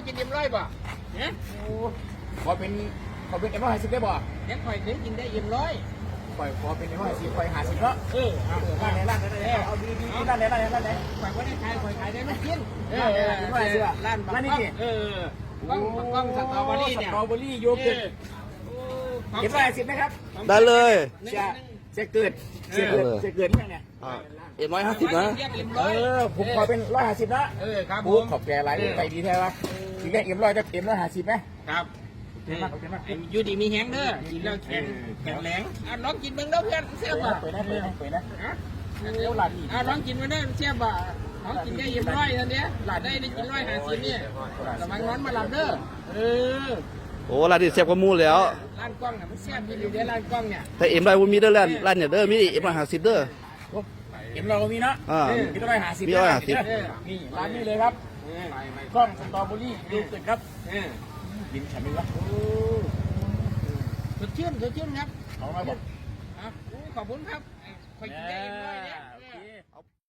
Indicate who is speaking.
Speaker 1: กิน100ป่ะเนี่ยขอเป็น150ได้ป่ะยังคอยถึงกินได้ขอเป็น150คอย50เนาะร้านไหนเอาดีร้านไหนคอยว่าได้ขายได้ไม่กินร้านนี้กล้องสตรอเบอรี่เนี่ยสตรอเบอรี่โยเกิร์ตเก็บ150ไหมครับ
Speaker 2: ได้เลย
Speaker 1: เสียเกิดเนี่ย
Speaker 2: 150นะ
Speaker 1: ผมขอเป็น150นะครับผมขอบแกหลายไปดีแท้ครับถึงได้100จะ150ไหมครับอยู่ดีมีแห้งเด้อกินแล้วแข็งแรงน้องกินเบิ่งเด้อเพื่อนเสียบอ่ะเปิดนะน้องกินมาเด้อเสียบอ่ะน้องกินได้100ท่านเนี้ยหลานได้กิน150เนี่ยระวังร้อนมาหลับเด้อ
Speaker 2: โอ้ร้านนี้เสียบกว่ามูแล้ว
Speaker 1: ร้านกล้องเนี่ยมันเสียบอยู่เดี๋ยวร้านกล้องเนี่ย
Speaker 2: แต่100บ่มีเด้อร้านเนี่ยเด้อมี150เด้อ
Speaker 1: เรามีนะมี150นี่ร้านนี้เลยครับกล้องสตรอเบอรี่ดูตึกครับกินฉันดูวะสดชื่นครับขอบคุณครับขอบคุณครับคอยกินได้100เนี่ย